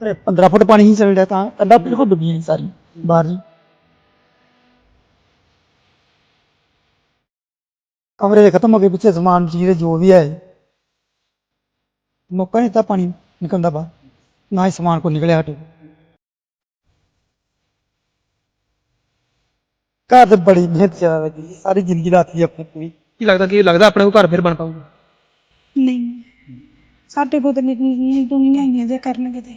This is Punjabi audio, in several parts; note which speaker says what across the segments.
Speaker 1: 15 फुट पानी ही चल रहा था, कंधा बिल्कुल डूबी है सारी बाहर जी। कमरे खत्म हो गए, पीछे सामान चीज जो भी है, मौका नहीं था पानी निकलने बाहर, ना ही सामान को निकले हटे। घर तो बड़ी मेहनत ज्यादा लगी, सारी जिंदगी लाती है अपनी पूरी।
Speaker 2: ਕੀ ਲੱਗਦਾ ਆਪਣੇ ਕੋ ਘਰ ਫਿਰ ਬਣ ਪਾਊਗਾ?
Speaker 3: ਨਹੀਂ ਸਾਡੇ ਕੋਲ ਤਾਂ ਦੁਨੀਆਂ ਹੀ ਹੈ ਜੇ ਕਰਨਗੇ ਤੇ।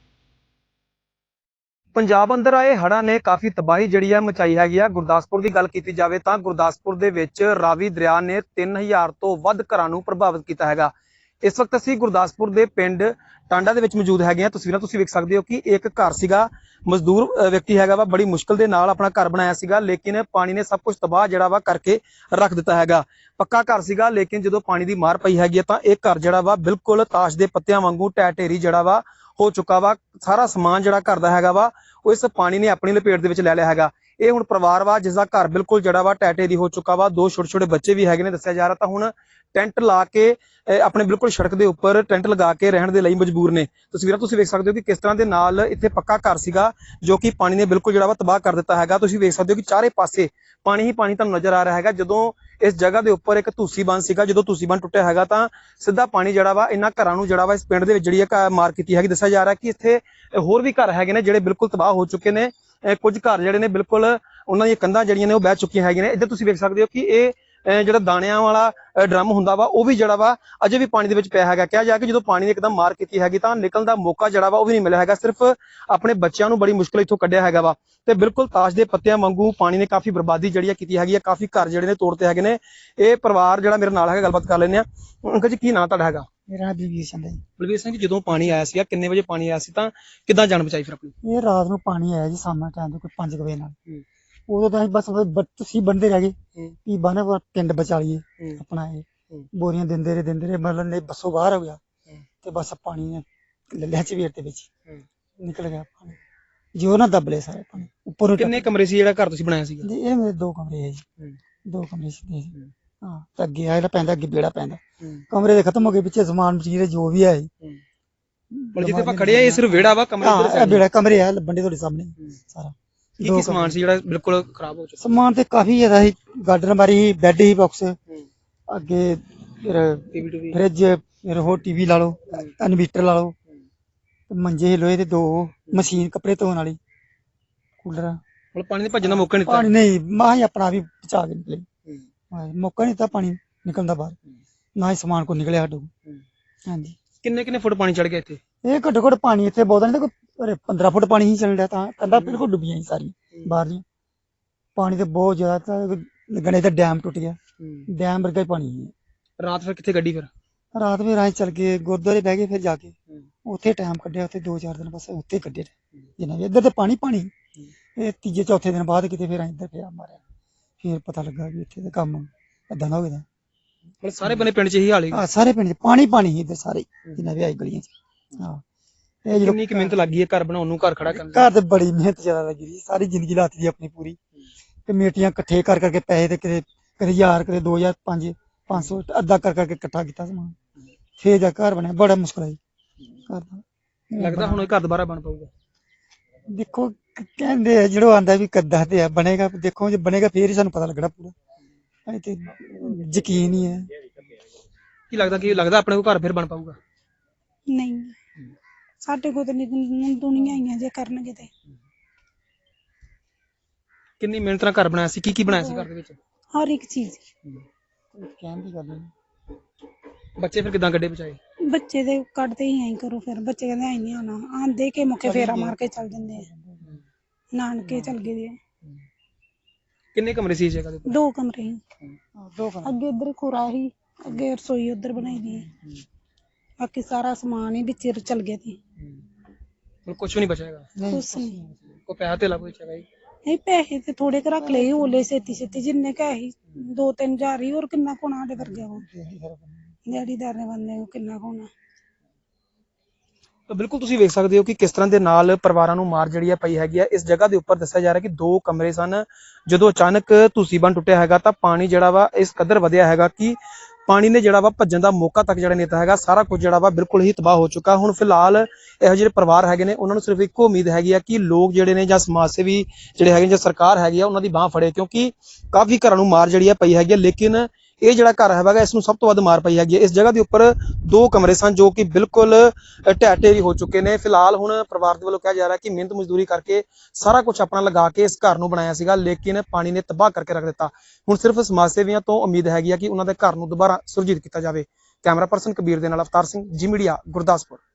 Speaker 2: ਪੰਜਾਬ ਅੰਦਰ ਆਏ ਹੜ੍ਹਾਂ ਨੇ ਕਾਫੀ ਤਬਾਹੀ ਜਿਹੜੀ ਹੈ ਮਚਾਈ ਹੈਗੀ ਆ। ਗੁਰਦਾਸਪੁਰ ਦੀ ਗੱਲ ਕੀਤੀ ਜਾਵੇ ਤਾਂ ਗੁਰਦਾਸਪੁਰ ਦੇ ਵਿੱਚ ਰਾਵੀ ਦਰਿਆ ਨੇ 3000 ਤੋਂ ਵੱਧ ਘਰਾਂ ਨੂੰ ਪ੍ਰਭਾਵਿਤ ਕੀਤਾ ਹੈਗਾ। ਇਸ ਵਕਤ ਅਸੀਂ ਗੁਰਦਾਸਪੁਰ ਦੇ ਪਿੰਡ ਟਾਂਡਾ ਦੇ ਵਿੱਚ ਮੌਜੂਦ ਹੈਗੇ ਆ। ਤਸਵੀਰਾਂ ਤੁਸੀਂ ਵੇਖ ਸਕਦੇ ਹੋ ਕਿ ਇੱਕ ਘਰ ਸੀਗਾ, ਮਜ਼ਦੂਰ ਵਿਅਕਤੀ ਹੈਗਾ ਵਾ, ਬੜੀ ਮੁਸ਼ਕਲ ਦੇ ਨਾਲ ਆਪਣਾ ਘਰ ਬਣਾਇਆ ਸੀਗਾ, ਲੇਕਿਨ ਪਾਣੀ ਨੇ ਸਭ ਕੁਝ ਤਬਾਹ ਜਿਹੜਾ ਵਾ ਕਰਕੇ ਰੱਖ ਦਿੱਤਾ ਹੈਗਾ। ਪੱਕਾ ਘਰ ਸੀਗਾ, ਲੇਕਿਨ ਜਦੋਂ ਪਾਣੀ ਦੀ ਮਾਰ ਪਈ ਹੈਗੀ ਤਾਂ ਇਹ ਘਰ ਜਿਹੜਾ ਵਾ ਬਿਲਕੁਲ ਤਾਸ਼ ਦੇ ਪੱਤਿਆਂ ਵਾਂਗੂ ਢਹਿ ਢੇਰੀ ਜਿਹੜਾ ਵਾ ਹੋ ਚੁੱਕਾ ਵਾ। ਸਾਰਾ ਸਮਾਨ ਜਿਹੜਾ ਘਰ ਦਾ ਹੈਗਾ ਵਾ ਉਹ ਇਸ ਪਾਣੀ ਨੇ ਆਪਣੀ ਲਪੇਟ ਦੇ ਵਿੱਚ ਲੈ ਲਿਆ ਹੈਗਾ। ਇਹ ਹੁਣ ਪਰਿਵਾਰ ਵਾ ਜਿਸ ਦਾ ਘਰ ਬਿਲਕੁਲ ਜਿਹੜਾ ਵਾ ਢਹਿ ਢੇਰੀ ਹੋ ਚੁੱਕਾ ਵਾ। 2 ਛੋਟੇ ਛੋਟੇ ਬੱਚੇ ਵੀ ਹੈਗੇ ਨੇ ਦੱਸਿਆ ਜਾ ਰਿਹਾ। ਤਾਂ ਹੁਣ ਟੈਂਟ ਲਾ ਕੇ ਆਪਣੇ ਬਿਲਕੁਲ ਸੜਕ ਦੇ ਉੱਪਰ ਟੈਂਟ ਲਗਾ ਕੇ ਰਹਿਣ ਦੇ ਲਈ ਮਜਬੂਰ ਨੇ। ਤਸਵੀਰਾਂ ਤੁਸੀਂ ਵੇਖ ਸਕਦੇ ਹੋ ਕਿ ਕਿਸ ਤਰ੍ਹਾਂ ਦੇ ਨਾਲ ਇੱਥੇ ਪੱਕਾ ਘਰ ਸੀਗਾ ਜੋ ਕਿ ਪਾਣੀ ਨੇ ਬਿਲਕੁਲ ਜਿਹੜਾ ਵਾ ਤਬਾਹ ਕਰ ਦਿੱਤਾ ਹੈਗਾ। ਤੁਸੀਂ ਵੇਖ ਸਕਦੇ ਹੋ ਕਿ ਚਾਰੇ ਪਾਸੇ ਪਾਣੀ ਹੀ ਪਾਣੀ ਤੁਹਾਨੂੰ ਨਜ਼ਰ ਆ ਰਿਹਾ ਹੈਗਾ। ਜਦੋਂ ਇਸ ਜਗ੍ਹਾ ਦੇ ਉੱਪਰ ਇੱਕ ਧੂਸੀ ਬੰਨ ਸੀਗਾ, ਜਦੋਂ ਧੂਸੀ ਬੰਨ ਟੁੱਟਿਆ ਹੈਗਾ ਤਾਂ ਸਿੱਧਾ ਪਾਣੀ ਜਿਹੜਾ ਵਾ ਇਹਨਾਂ ਘਰਾਂ ਨੂੰ ਜਿਹੜਾ ਵਾ ਇਸ ਪਿੰਡ ਦੇ ਵਿੱਚ ਜਿਹੜੀ ਹੈ ਮਾਰ ਕੀਤੀ ਹੈਗੀ। ਦੱਸਿਆ ਜਾ ਰਿਹਾ ਕਿ ਇੱਥੇ ਹੋਰ ਵੀ ਘਰ ਹੈਗੇ ਨੇ ਜਿਹੜੇ ਬਿਲਕੁਲ ਤਬਾਹ ਹੋ ਚੁੱਕੇ ਨੇ। ਕੁਝ ਘਰ ਜਿਹੜੇ ਨੇ ਬਿਲਕੁਲ ਉਹਨਾਂ ਦੀਆਂ ਕੰਧਾਂ ਜਿਹੜੀਆਂ ਨੇ ਉਹ ਬਹਿ ਚੁੱਕੀਆਂ ਹੈਗੀਆਂ ਨੇ। ਇੱਧਰ ਤੁਸੀਂ ਵੇਖ ਸਕਦੇ ਹੋ ਕਿ ਇਹ ਜਿਹੜਾ ਦਾਣਿਆਂ ਵਾਲਾ ਡਰਮ ਹੁੰਦਾ ਵਾ ਉਹ ਵੀ ਜਿਹੜਾ ਵਾ ਅਜੇ ਵੀ ਪਾਣੀ ਦੇ ਵਿੱਚ ਪਿਆ ਹੈਗਾ। ਕਿਹਾ ਜਾ ਕਿ ਜਦੋਂ ਪਾਣੀ ਨੇ ਇੱਕਦਮ ਮਾਰ ਕੀਤੀ ਹੈਗੀ ਤਾਂ ਨਿਕਲਣ ਦਾ ਮੌਕਾ ਜਿਹੜਾ ਵਾ ਉਹ ਵੀ ਨਹੀਂ ਮਿਲਿਆ ਹੈਗਾ। ਸਿਰਫ ਆਪਣੇ ਬੱਚਿਆਂ ਨੂੰ ਬੜੀ ਮੁਸ਼ਕਲ ਇੱਥੋਂ ਕੱਢਿਆ ਹੈਗਾ ਵਾ। ਤੇ ਬਿਲਕੁਲ ਤਾਸ਼ ਦੇ ਪੱਤਿਆਂ ਵਾਂਗੂ ਪਾਣੀ ਨੇ ਕਾਫੀ ਬਰਬਾਦੀ ਜਿਹੜੀ ਕੀਤੀ ਹੈਗੀ ਆ। ਕਾਫੀ ਘਰ ਜਿਹੜੇ ਨੇ ਤੋੜਤੇ ਹੈਗੇ ਨੇ। ਇਹ ਪਰਿਵਾਰ ਜਿਹੜਾ ਮੇਰੇ ਨਾਲ ਹੈਗਾ, ਗੱਲਬਾਤ ਕਰ ਲੈਂਦੇ ਆ। ਅੰਕਲ ਜੀ, ਕੀ ਨਾਂ ਤੁਹਾਡਾ ਹੈਗਾ?
Speaker 1: मेरा बलवीर सिंह है जी।
Speaker 2: ਬਲਵੀਰ ਸਿੰਘ ਜੀ, ਜਦੋਂ ਪਾਣੀ ਆਇਆ ਸੀਗਾ ਕਿੰਨੇ ਵਜੇ ਪਾਣੀ ਆਇਆ ਸੀ ਤਾਂ ਕਿੱਦਾਂ ਜਾਨ ਬਚਾਈ ਫਿਰ ਆਪਣੀ?
Speaker 1: ये रात ਨੂੰ ਪਾਣੀ ਆਇਆ ਜੀ ਸਾਹਮਣੇ ਟਾਈਮ ਦੇ ਕੋਈ 5 ਵਜੇ ਨਾਲ। ਉਦੋਂ ਤਾਂ ਅਸੀਂ ਬਸ ਤੁਸੀਂ ਬੰਦੇ ਰਹਿ ਗਏ ਵੀ ਬਾਨੇ ਪਿੰਡ ਬਚਾ ਲਈਏ ਆਪਣਾ। ਇਹ ਬੋਰੀਆਂ ਦਿੰਦੇ ਰਹੇ ਮਤਲਬ ਨੇ ਬੱਸੋਂ ਬਾਹਰ ਹੋ ਗਿਆ ਤੇ ਬਸ ਪਾਣੀ ਨੇ ਲੈ ਚਵੇਰ ਦੇ ਵਿੱਚ ਨਿਕਲ ਗਿਆ ਪਾਣੀ। ਜੋ ਨਾ ਦਬਲੇ ਸਾਰੇ ਪਾਣੀ ਉੱਪਰੋਂ।
Speaker 2: ਕਿੰਨੇ ਕਮਰੇ ਸੀ ਜਿਹੜਾ ਘਰ ਤੁਸੀਂ ਬਣਾਇਆ ਸੀਗਾ?
Speaker 1: ਜੀ ਇਹ ਮੇਰੇ 2 ਕਮਰੇ ਹੈ ਜੀ, 2 ਕਮਰੇ ਸੀ। ਹਾਂ ਤੇ ਅੱਗੇ ਆ ਜਿਹੜਾ ਪੈਂਦਾ, ਅੱਗੇ ਵਿਹੜਾ ਪੈਂਦਾ। ਕਮਰੇ ਦੇ ਖਤਮ ਹੋ ਗਏ, ਪਿੱਛੇ ਸਮਾਨ ਮਚੀਰੇ ਜੋ ਵੀ ਹੈ।
Speaker 2: ਜਿੱਥੇ ਆਪਾਂ ਖੜੇ ਆ ਇਹ ਸਿਰਫ ਵਿਹੜਾ ਵਾ, ਕਮਰੇ
Speaker 1: ਹਾਂ ਵਿਹੜਾ ਕਮਰੇ ਆ ਲੱਭਣ ਦੇ ਤੁਹਾਡੇ ਸਾਹਮਣੇ ਸਾਰਾ।
Speaker 2: ਕੀ ਸਮਾਨ ਸੀ ਜਿਹੜਾ ਬਿਲਕੁਲ ਖਰਾਬ ਹੋ ਚੁੱਕਾ?
Speaker 1: ਸਮਾਨ ਤੇ ਕਾਫੀ ਜ਼ਿਆਦਾ ਸੀ, ਗਾਰਡਨ ਬਾਰੀ, ਬੈੱਡ ਹੀ, ਬਾਕਸ ਅੱਗੇ, ਫਰਿੱਜ, ਫਿਰ ਹੋਰ ਟੀਵੀ ਲਾ ਲਓ, ਇਨਵੀਟਰ ਲਾ ਲਓ, ਮੰਜੇ ਲੋਹੇ ਦੇ 2, ਮਸ਼ੀਨ ਕੱਪੜੇ ਧੋਣ ਵਾਲੀ, ਕੂਲਰ।
Speaker 2: ਮਤਲਬ ਪਾਣੀ ਦੇ ਭੱਜਣ ਦਾ ਮੌਕਾ ਨਹੀਂ ਦਿੱਤਾ?
Speaker 1: ਪਾਣੀ ਨਹੀਂ, ਮਾਂ ਹੀ ਆਪਣਾ ਵੀ ਬਚਾ ਕੇ ਨਿਕਲੇ। ਮੌਕਾ ਨਹੀਂ ਦਿੱਤਾ ਪਾਣੀ ਨਿਕਲਣ ਦਾ ਬਾਹਰ, ਨਾ ਹੀ ਸਮਾਨ ਕੋ ਨਿਕਲਿਆ ਸਾਡੇ ਕੋਲ। ਹਾਂਜੀ।
Speaker 2: ਕਿੰਨੇ ਫੁੱਟ ਪਾਣੀ ਚੜ ਗਿਆ ਇੱਥੇ?
Speaker 1: ਇਹ ਘੱਟੋ ਘੱਟ ਪਾਣੀ ਇੱਥੇ ਬਹੁਤ ਨਹੀਂ, ਕੋਈ 15 ਫੁੱਟ ਪਾਣੀ ਹੀ ਚੱਲ ਰਿਹਾ ਤਾਂ ਕੰਧਾਂ ਬਿਲਕੁਲ ਡੁੱਬੀਆਂ ਸੀ ਸਾਰੀ ਬਾਹਰ ਦੀਆਂ। ਪਾਣੀ ਤੇ ਬਹੁਤ ਜ਼ਿਆਦਾ, ਗਣੇ ਤਾਂ ਡੈਮ ਟੁੱਟ ਗਿਆ, ਡੈਮ ਵਰਗਾ ਹੀ ਪਾਣੀ ਹੈ।
Speaker 2: ਰਾਤ ਫਿਰ ਕਿੱਥੇ ਗੱਡੀ? ਫਿਰ
Speaker 1: ਰਾਤ ਵੀ ਰਾਹ ਚੱਲ ਗਏ, ਗੁਰਦੁਆਰੇ ਬਹਿ ਗਏ, ਫਿਰ ਜਾ ਕੇ ਉੱਥੇ ਟਾਈਮ ਕੱਢਿਆ। ਉੱਥੇ 2-4 ਦਿਨ ਬਸ ਉੱਥੇ ਕੱਢੇ ਜਿੰਨਾ ਵੀ। ਇੱਧਰ ਤੇ ਪਾਣੀ ਇਹ ਤੀਜੇ ਚੌਥੇ ਦਿਨ ਬਾਅਦ ਕਿਤੇ ਫਿਰ ਇੱਧਰ ਪਿਆ ਮਾਰਿਆ, ਫਿਰ ਪਤਾ ਲੱਗਾ ਵੀ ਇੱਥੇ ਤੇ ਕੰਮ ਏਦਾਂ ਦਾ ਹੋ ਗਿਆ।
Speaker 2: ਮਤਲਬ ਸਾਰੇ ਬੰਨੇ ਪਿੰਡ 'ਚ ਇਹੀ ਹਾਲ ਹੈ?
Speaker 1: ਸਾਰੇ ਪਿੰਡ 'ਚ ਪਾਣੀ ਸੀ ਇੱਧਰ ਸਾਰੇ ਜਿੰਨਾ ਵੀ ਆਈ ਗਲੀਆਂ 'ਚ। ਹਾਂ ਇਹ ਜਦੋਂ
Speaker 2: ਕਿੰਨੀ ਕੁ ਮਿਹਨਤ ਲੱਗੀ ਹੈ ਘਰ ਬਣਾਉਣ ਨੂੰ, ਘਰ ਖੜਾ ਕਰਨ ਨੂੰ?
Speaker 1: ਘਰ ਤੇ ਬੜੀ ਮਿਹਨਤ ਜ਼ਿਆਦਾ ਲੱਗੀ ਸੀ, ਸਾਰੀ ਜ਼ਿੰਦਗੀ ਲਾਤੀ ਆਪਣੀ ਪੂਰੀ। ਕਮੇਟੀਆਂ ਇਕੱਠੇ ਕਰਕੇ ਪੈਸੇ ਤੇ ਕਦੇ 1000, ਕਦੇ 2000, 500 ਅੱਧਾ ਕਰਕੇ ਇਕੱਠਾ ਕੀਤਾ ਸਮਾਨ, ਫੇਰ ਜਾ ਘਰ ਬਣਿਆ। ਬੜਾ ਮੁਸ਼ਕਲ ਹੈ ਘਰ ਦਾ।
Speaker 2: ਲੱਗਦਾ ਹੁਣ ਇਹ ਘਰ ਦੁਬਾਰਾ ਬਣ ਪਾਊਗਾ?
Speaker 1: ਦੇਖੋ ਕਹਿੰਦੇ ਆ ਜਿਹੜਾ ਆਂਦਾ ਵੀ ਕੱਦਾ ਤੇ ਆ ਬਣੇਗਾ, ਦੇਖੋ ਜੇ ਬਣੇਗਾ ਫੇਰ ਹੀ ਸਾਨੂੰ ਪਤਾ ਲੱਗਣਾ ਪੂਰਾ। ਅਜੇ ਤੇ ਯਕੀਨ ਹੀ ਹੈ।
Speaker 2: ਕੀ ਲੱਗਦਾ ਆਪਣੇ ਕੋ ਘਰ ਫਿਰ ਬਣ ਪਾਊਗਾ?
Speaker 3: ਨਹੀਂ ਸਾਡੇ ਕੋਲ ਤਾਂ ਦੁਨੀਆਂ ਹੀ ਹੈ ਜੇ ਕਰਨਗੇ ਤੇ।
Speaker 2: ਕਿੰਨੀ ਮਿਹਨਤ ਨਾਲ ਘਰ ਬਣਾਇਆ ਸੀ? ਕੀ ਬਣਾਇਆ ਸੀ ਘਰ ਦੇ ਵਿੱਚ?
Speaker 3: ਹਰ ਇੱਕ ਚੀਜ਼।
Speaker 1: ਕਹਿਣ ਦੀ ਗੱਲ ਨਹੀਂ।
Speaker 2: ਬੱਚੇ ਫਿਰ ਕਿੱਦਾਂ ਗੱਡੇ ਬਚਾਏ?
Speaker 3: ਬੱਚੇ ਦੇ ਕੱਢਦੇ ਹੀ ਐਂ ਕਰੋ, ਫਿਰ ਬੱਚੇ ਕਹਿੰਦੇ ਐਂ ਨਹੀਂ ਆਉਣਾ, ਆਂਦੇ ਕੇ ਮੁੱਕੇ ਫੇਰਾ ਮਾਰ ਕੇ ਚੱਲ ਜਾਂਦੇ ਆ, ਨਾਨਕੇ ਚੱਲ ਗਏ ਦੇ।
Speaker 2: ਕਿੰਨੇ ਕਮਰੇ ਸੀ ਇਸ ਜਗ੍ਹਾ ਦੇ?
Speaker 3: 2 ਕਮਰੇ ਸੀ।
Speaker 1: 2 ਕਮਰੇ
Speaker 3: ਅੱਗੇ ਇੱਧਰ ਖੁਰਾ ਸੀ, ਅੱਗੇ ਰਸੋਈ ਉੱਧਰ ਬਣਾਈ ਦੀ, ਬਾਕੀ ਸਾਰਾ ਸਮਾਨ ਹੀ ਵਿੱਚ ਚੱਲ ਗਿਆ ਸੀ।
Speaker 2: ਹੁਣ ਕੁਝ ਵੀ ਨਹੀਂ ਬਚੇਗਾ?
Speaker 3: ਕੁਛ ਨਹੀਂ।
Speaker 2: ਕੋਈ ਪੈਸਾ ਧੇਲਾ ਕੋਈ ਚਾਹੀਦਾ?
Speaker 3: ਨਹੀਂ ਪੈਸੇ ਤੇ ਥੋੜੇ ਕੁ ਰੱਖ ਲਏ, ਓਲੇ ਛੇਤੀ ਜਿੰਨੇ ਕੁ ਸੀ 2-3 ਹਜ਼ਾਰ ਹੀ, ਹੋਰ ਕਿੰਨਾ ਕੋਣਾ ਸਾਡੇ ਵਰਗੇ ਨੂੰ ਦਿਹਾੜੀਦਾਰ ਨੇ ਬੰਦੇ ਨੂੰ ਕਿੰਨਾ ਕੋਣਾ।
Speaker 2: ਤਾਂ ਬਿਲਕੁਲ ਤੁਸੀਂ ਵੇਖ ਸਕਦੇ ਹੋ ਕਿ ਕਿਸ ਤਰ੍ਹਾਂ ਦੇ ਨਾਲ ਪਰਿਵਾਰਾਂ ਨੂੰ ਮਾਰ ਜਿਹੜੀ ਹੈ ਪਈ ਹੈਗੀ ਆ। ਇਸ ਜਗ੍ਹਾ ਦੇ ਉੱਪਰ ਦੱਸਿਆ ਜਾ ਰਿਹਾ ਕਿ 2 ਕਮਰੇ ਸਨ। ਜਦੋਂ ਅਚਾਨਕ ਧੂਸੀ ਬੰਨ ਟੁੱਟਿਆ ਹੈਗਾ ਤਾਂ ਪਾਣੀ ਜਿਹੜਾ ਵਾ ਇਸ ਕਦਰ ਵਧਿਆ ਹੈਗਾ ਕਿ ਪਾਣੀ ਨੇ ਜਿਹੜਾ ਵਾ ਭੱਜਣ ਦਾ ਮੌਕਾ ਤੱਕ ਜਿਹੜਾ ਨੇਤਾ ਹੈਗਾ ਸਾਰਾ ਕੁਝ ਜਿਹੜਾ ਵਾ ਬਿਲਕੁਲ ਹੀ ਤਬਾਹ ਹੋ ਚੁੱਕਾ। ਹੁਣ ਫਿਲਹਾਲ ਇਹੋ ਜਿਹੇ ਪਰਿਵਾਰ ਹੈਗੇ ਨੇ ਉਹਨਾਂ ਨੂੰ ਸਿਰਫ ਇੱਕੋ ਉਮੀਦ ਹੈਗੀ ਆ ਕਿ ਲੋਕ ਜਿਹੜੇ ਨੇ ਜਾਂ ਸਮਾਜ ਸੇਵੀ ਜਿਹੜੇ ਹੈਗੇ ਜਾਂ ਸਰਕਾਰ ਹੈਗੀ ਆ ਉਹਨਾਂ ਦੀ ਬਾਹ ਫੜੇ, ਕਿਉਂਕਿ ਕਾਫੀ ਘਰਾਂ ਨੂੰ ਮਾਰ ਜਿਹੜੀ ਆ ਪਈ ਹੈਗੀ ਆ। ਲੇਕਿਨ ਇਹ ਜਿਹੜਾ ਘਰ ਹੈਗਾ ਇਸ ਨੂੰ ਸਭ ਤੋਂ ਵੱਧ ਮਾਰ ਪਈ ਹੈਗੀ ਹੈ। ਇਸ ਜਗ੍ਹਾ ਦੇ ਉੱਪਰ 2 ਕਮਰੇ ਸਨ ਜੋ ਕਿ ਬਿਲਕੁਲ ਢਹਿ ਢੇਰੀ ਹੋ ਚੁੱਕੇ ਨੇ। ਫਿਲਹਾਲ ਹੁਣ ਪਰਿਵਾਰ ਦੇ ਵੱਲੋਂ ਕਿਹਾ ਜਾ ਰਿਹਾ ਕਿ ਮਿਹਨਤ ਮਜ਼ਦੂਰੀ ਕਰਕੇ ਸਾਰਾ ਕੁਝ ਆਪਣਾ ਲਗਾ ਕੇ ਇਸ ਘਰ ਨੂੰ ਬਣਾਇਆ ਸੀਗਾ, ਲੇਕਿਨ ਪਾਣੀ ਨੇ ਤਬਾਹ ਕਰਕੇ ਰੱਖ ਦਿੱਤਾ। ਹੁਣ ਸਿਰਫ ਸਮਾਜ ਸੇਵੀਆਂ ਤੋਂ ਉਮੀਦ ਹੈਗੀ ਆ ਕਿ ਉਹਨਾਂ ਦੇ ਘਰ ਨੂੰ ਦੁਬਾਰਾ ਸੁਰਜੀਤ ਕੀਤਾ ਜਾਵੇ। ਕੈਮਰਾ ਪਰਸਨ ਕਬੀਰ ਦੇ ਨਾਲ ਅਵਤਾਰ ਸਿੰਘ, ਜੀ ਮੀਡੀਆ, ਗੁਰਦਾਸਪੁਰ।